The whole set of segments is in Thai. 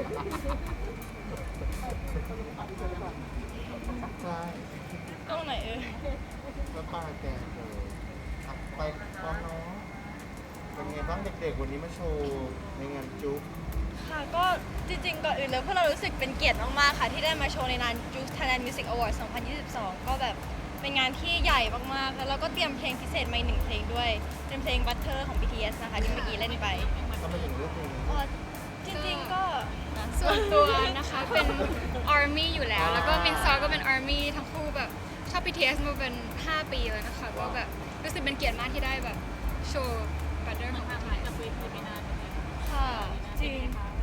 ใช่ตรงไหนแล้วป้าแกไปพร้อมน้องเป็นไงบ้างเด็กๆวันนี้มาโชว์ในงานจุ๊บค่ะก็จริงๆก่อนอื่นเลยพวกเรารู้สึกเป็นเกียรติมากๆค่ะที่ได้มาโชว์ในงาน Juice Thailand Music Awards 2022 ก็แบบเป็นงานที่ใหญ่มากๆแล้วเราก็เตรียมเพลงพิเศษมาอีกหนึ่งเพลงด้วยเป็นเพลง Butter ของ BTS นะคะที่เมื่อกี้เล่นไปทำไมถึงเลือกเพลงนี้จริงๆก็ส่วนตัวนะคะเป็น ARMY อยู่แล้ว แล้วก็มินซอก็เป็น ARMY ทั้งคู่แบบชอบ BTS มาเป็น 5 ปีแล้วนะคะก็แบบรู้สึกเป็นเกียรติมากที่ได้แบบโชว์ Butter ของ BTS ค่ะจริง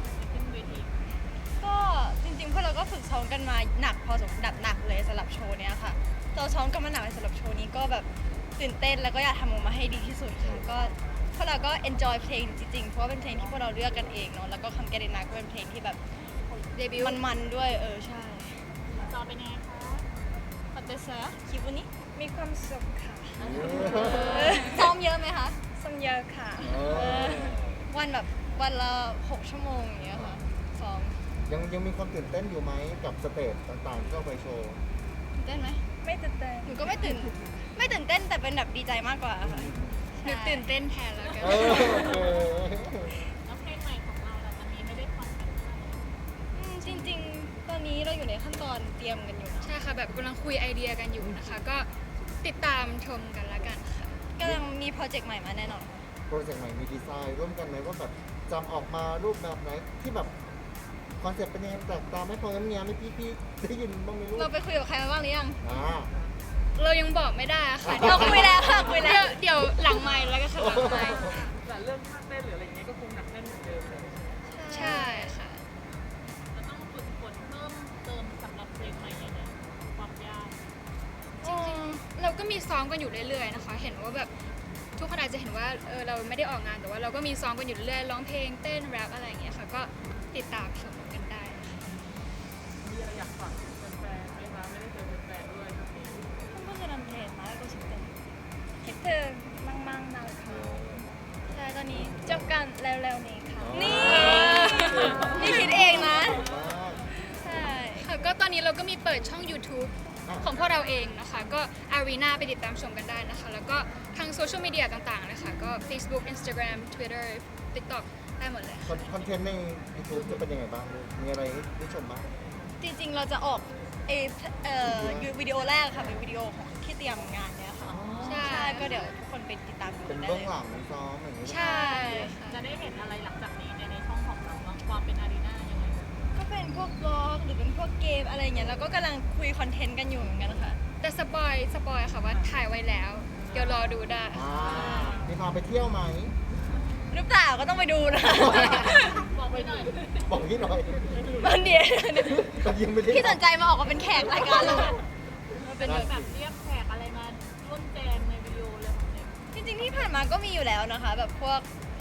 ก็จริงๆพวกเราก็ฝึกซ้อมกันมาหนักพอสมควรหนักเลยสำหรับโชว์เนี้ยค่ะเราซ้อมกันมาหนักเลยสำหรับโชว์นี้ก็แบบตื่นเต้นแล้วก็อยากทำออกมาให้ดีที่สุดค่ะก็พวกเราก็ enjoy เพลงจริงๆเพราะว่าเป็นเพลงที่พวกเราเลือกกันเองเนาะแล้วก็คำแกเดนาก็เป็นเพลงที่แบบเดบิวต์มันๆด้วยใช่จอเป็นยังไงคะปัตเตอร์ซะคิดวันนี้มีความสุขค่ะซ้อมเยอะไหมคะซ้อมเยอะค่ะ วันแบบวันละ6 ชั่วโมงอย่างเงี้ยค่ะซ้อมยังมีความตื่นเต้นอยู่ไหมกับสเตจต่างๆที่เราไปโชว์ตื่นเต้นไหมไม่ตื่นเต้นหนูก็ไม่ตื่นเต้นแต่เป็นแบบดีใจมากกว่าค่ะหนูตื่นเต้นแทนแล้วกันโอเคแล้วเพลงใหม่ของเราล่ะจะมีไม่ได้ฟังกันเมื่อไหร่จริงๆ ตอนนี้เราอยู่ในขั้นตอนเตรียมกันอยู่นะใช่ค่ะแบบกำลังคุยไอเดียกันอยู่นะคะ ก็ติดตามชมกันละกันค่ะกำลังมีโปรเจกต์ใหม่มาแน่นอนโปรเจกต์ใหม่มีดีไซน์ร่วมกันไหมว่าแบบจำออกมารูปแบบไหนที่แบบคอนเซ็ปต์เป็นยังไงแปลกตาไม่พองั้นเนี้ยไม่พี่ได้ยินบ้างไหมลูกเราไปคุยกับใครมาบ้างหรือยังเรายังบอกไม่ได้ค่ะเราคุยแล้วค่ะคุยแล้วเดี๋ยวหลังไมค์แล้วก็ค่ะหลังไมค์แต่เรื่องท่าเต้นหรืออะไรเงี้ยก็คงหนักแน่นเหมือนเดิมเลยใช่ค่ะจะต้องฝึกฝนเพิ่มเติมสำหรับเพลงใหม่ยังไงความยากจริงๆเราก็มีซ้อมกันอยู่เรื่อยๆนะคะ เห็นว่าแบบทุกคนอาจจะเห็นว่าเราไม่ได้ออกงานแต่ว่าเราก็มีซ้อมกันอยู่เรื่อยๆร้องเพลงเต้นแรปอะไรอย่างเงี้ยค่ะ ก็ติดตามชมกันได้ค่ะมีอะไรอยากฝากถึงแฟนๆไหมคะไม่ได้เจอแฟนๆด้วยครับนี้ก็จะนำเพลงมาแล้วก็คิดถึงมั่งๆนะคะใช่ตอนนี้จบกันเร็วๆนี้ค่ะ นี่คิดเองนะ ใช่ค่ะก็ตอนนี้เราก็มีเปิดช่อง YouTube ของพวกเราเองนะคะ ก็ Arena ไปติดตามชมกันได้นะคะ แล้วก็ทางโซเชียลมีเดียต่างๆนะคะก็ Facebook Instagram Twitter TikTok ได้หมดเลยค่ะคอนเทนต์ใน YouTube จะเป็นยังไงบ้างลูกมีอะไรให้ได้ชมบ้างจริงๆเราจะออกวิดีโอแรกค่ะเป็นวิดีโอของที่เตรียมงานเนี้ยค่ะใช่ใช่ก็เดี๋ยวทุกคนไปติดตามดูเป็นได้เบื้เลองยหลังซ้อมอย่างนี้ใช่ค่ะจะได้เห็นอะไรหลังจากนี้ในช่องของเราบ้างความเป็นอารีนายังไงก็เป็นพวกบล็อกหรือเป็นพวกเกมอะไรอย่างเงี้ยแล้วก็กำลังคุยคอนเทนต์กันอยู่เหมือนกันค่ะแต่สปอยค่ะว่าถ่ายไว้แล้ว เดี๋ยวรอดูได้มีพาไปเที่ยวไหมหรือเปล่าก็ต้องไปดูนะบอกไว้หน่อยบอกพี่หน่อยวันเดียวแต่ยังไม่ได้พี่สนใจมาออกมาเป็นแขกรายการเรามาเป็นแบบแบบเรียกแขกอะไรมาร่วมแจมในวิดีโอเลยของเนี่ยจริงๆที่ผ่านมาก็มีอยู่แล้วนะคะ แบบพวก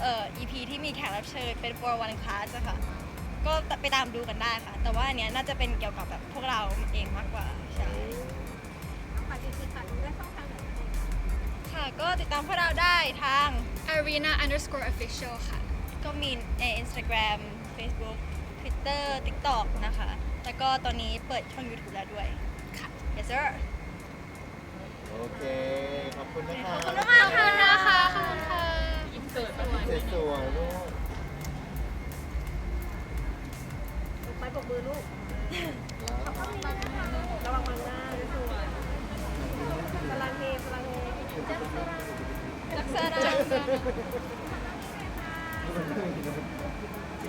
EP ที่มีแขกรับเชิญเป็น for one class อะค่ะ ก็ไปตามดูกันได้ค่ะ แต่ว่าอันเนี้ยน่าจะเป็นเกี่ยวกับแบบพวกเราเองมากกว่าใช่ค่ะก็ติดตามพวกเราได้ทาง Arena_official ค่ะก็มีใน Instagram Facebook Twitter TikTok นะคะ แล้วก็ตอนนี้เปิดช่อง YouTube แล้วด้วยค่ะ yes sir โอเค ขอบคุณนะคะขอบคุณมากค่ะนะคะขอบคุณค่ะยิ้มสวยๆสวยๆลูกไปปรบมือลูก ระวังมังหน้าด้วยสวยพลังเฮพลังเฮลักษณะ